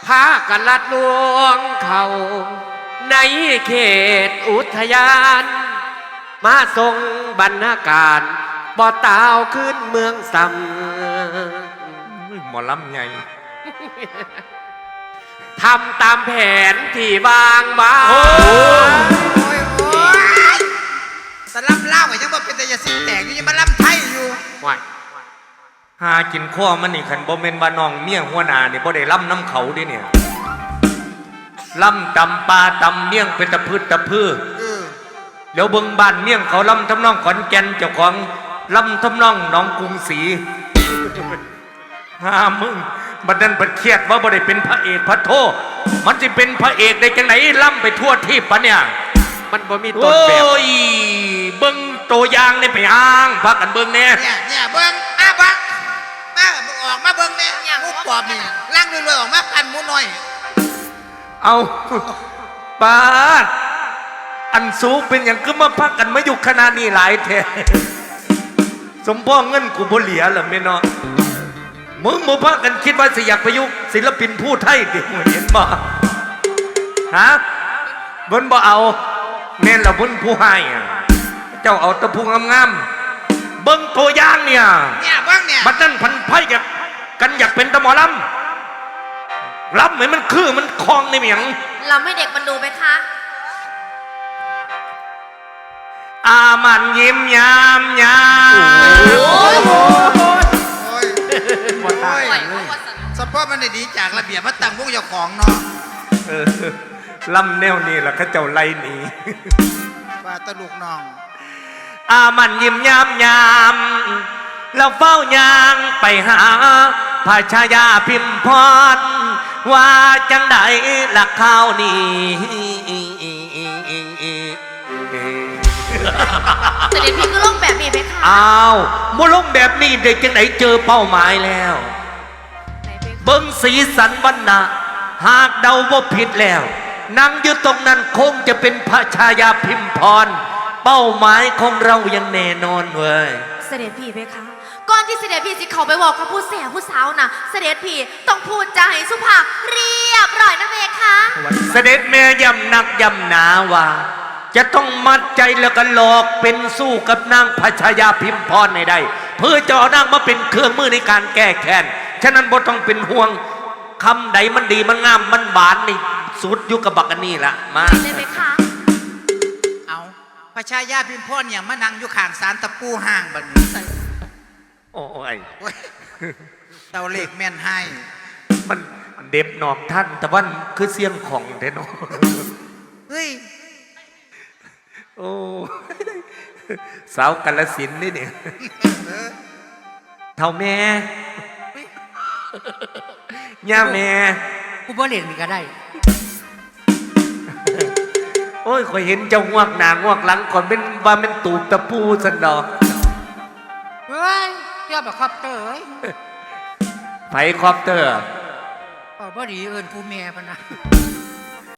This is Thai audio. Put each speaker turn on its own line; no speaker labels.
พากันลัดลวงเขาในเขตอุทยานมาทรงบรรณาการบ่อตาวขึ้นเมืองซ้
หมอลำไง
ำทำตามแผนที่วางไว้
แต่ล่ำเล่าไอ้ยังบ่เป็นแต่ยาสีแตกอยู่ยังมาล่ำไทยอยู่
หากินข้อมันนี่ขันบ่เมนบ้านน้องเมี่ยงหัวหน้านี่บ่ได้ล่ำน้ำเขาดิเนี่ยล่ำตำปลาตำเมี่ยงเป็นตะพืชตะพืชแล้วเบิ่งบ้านเมี่ยงเขาล่ำทำนองขอนแก่นเจ้าของล่ำทำนองหนองกรุงศรีหามึงบัดนั้นบัดเครียดว่าบ่ได้เป็นพระเอกพระโทมันจะเป็นพระเอกได้จังไหนล่ำไปทั่วที่ปะเนี่ย
มันบ่มีต้นแบบ
โอ้ยเบิ่งตัวอย่างนี่ไปอ้างพักกันเบิ่งเนี่ย
เบิ่งบักมาออกมาเบิ่งเนี่ยมุกปอบนี่ล่างรวยๆออกมาพันหมูน้อย
เอาปาดอันสูงเป็นอย่างก็มาพักกันมาอยู่ขนาดนี้หลายแท้สมพ่อเงินกูบ่เหลียเหรอแม่เนาะมึงบ่พักกันคิดว่าสิอยากประยุกต์ศิลปินผู้ไทยดิเห็นบ่ฮะเบิ่นบ่เอาแม่นละเบิ่นผู้ให้เจ้าเอาตะพูงามๆเบิ่งตัวอย่างเนี่ย
เบิ่งเนี่ย
บัดนั้นพันไพ่กันอยากเป็นตะหมอลำรับเหมือนมันคือมันคลองในเมียง
เราไม่เด็กมันดูไหมคะ
มันยิ้มยาม
สปอร์มันได้ดีจากระเบียบมาตั้งวงเจ้าของเนาะ
ลำแนวนี่แหละข้าเจ้าไล่หนี
ว่าตะลุกน้อง
มันยิ้มยามแล้วเฝ้ายางไปหาพระชายาพิมพรว่าจังใดหลักข้าวนี่
เสด็จพี่ก็ลงแบบนี้ไหมคะ
อ้าวบ่ลงแบบนี้เด็กจังไหนเจอเป้าหมายแล้วเบิ้งสีสันวันนะหากเดาว่าผิดแล้วนั่งอยู่ตรงนั้นคงจะเป็นพระชายาพิมพรเป้าหมายของเรายังแน่นอนเว้ย
เสด็จพี่ไหมคะก่อนที่เสด็จพี่จะเข้าไปบอกกับผู้เสียผู้สาวนะเสด็จพี่ต้องพูดจาให้สุภาพเรียบร้อยนะเมคะ
เสด็จแม่ย้ำนักย้ำหนาว่าจะต้องมัดใจแล้วก็หลอกเป็นสู้กับนางพระชายาพิมพรในใดเพื่อจะเอานางมาเป็นเครื่องมือในการแก้แค้นฉะนั้นบ่ต้องเป็นห่วงคำใดมันดีมันงามมันหวานนี่สุดยุคกับบักอันนี้ละมา
ได้ไหมคะ
เอาพระชายาพิมพรอย่างมานั่งอยู่ข้างศาลตะปูห่างบัดนี้
โอ้ย
เตาเหล็กแม่นให้
มันเด็บหนอกท่านแต่ว่าคือเสียงของเด้เนาะ
เฮ้ย
โอ้สาวกาฬสินธุ์นี่เนี่ยเท่าแม่ย่าแม่
กูบ่เล่นนี่ก็ได้
โอ้ยคอยเห็นเจ้างวกหนางวกหลังก่อนเป็นว่าเป็นตูบตะปูสันดอก
เฮ้ยเจ้าแบบคอปเตอร์
ไผคอปเตอร์
บ่ดีเอิญผู้แม่พะนะ